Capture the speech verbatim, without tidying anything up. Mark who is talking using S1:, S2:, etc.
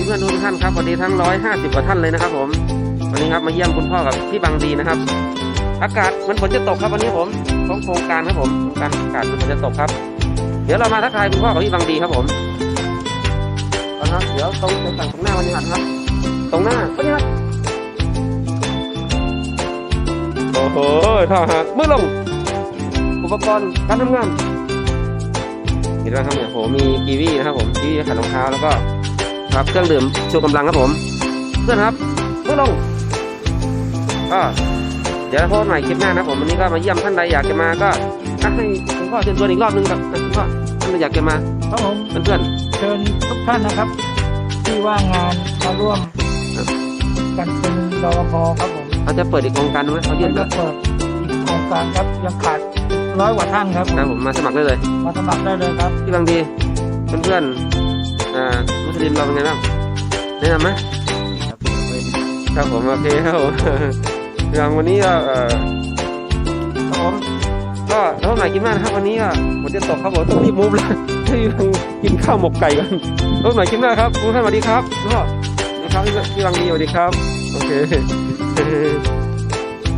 S1: พื่อนๆทุกท่านครับสวัสดีทั้งร้อยห้าสิบกว่าท่านเลยนะครับผมวันนี้ครับมาเยี่ยมคุณพ่อกับพี่บางดีนะครับอากาศมันฝนจะตกครับวันนี้ผมของโครงการครับผมโครงการอากาศมันฝนจะตกครับเดี๋ยวเรามาทักทายคุณพ่อกับพี่บางดีครับผมเอาละเดี๋ยวตรงฝั่งตรงหน้าวันนี้ครับตรงหน้าวันนี้ครับโอ้โหท่าฮะมือลงอุปกรณ์การทำงานเห็นไหมครับเนี่ยโหมีกีวีนะครับผมกีวีขัดรองเท้าแล้วก็ครับเครื่องดื่มชูกำลังครับผมเพื่อนครับมือลงก็เดี๋ยวพบกันใหม่คลิปหน้านะผมวันนี้ก็มาเยี่ยมท่านใดอยากจะมาก็ให้คุณพ่อเชิญชวนอีกรอบนึงครับคุณพ่อท่านใดอยากจะมา
S2: ครับผม
S1: เพื่อน
S2: เชิญทุกท่านนะครับที่ว่างงานมาร่วมกันเป็นรปภครับผม
S1: เขาจะเปิดอีกโครงการไหมเขายื่น
S2: จะเปิดอีกโครงการครับยังขาดร้อยกว่าท่านครับ
S1: ครับผมมาสมัครได้เลย
S2: มาสมัครได้เลยครับ
S1: พี่บางดีเพื่อนๆอ่ามุสลิมเราเป็นไงบ้างแนะนำไหมครับผมโอเคครับผมอย่างวันนี้ก็เอ่อครับผมก็แล้วไหนกินมากนะครับวันนี้ก็ฝนจะตกครับผมต้องรีบมูฟแล้วให้กินข้าวหมกไก่กันแล้วไหนกินมากครับทุกท่านสวัสดีครับพ่อสวัสดีครับพี่บางดีสวัสดีครับโอเค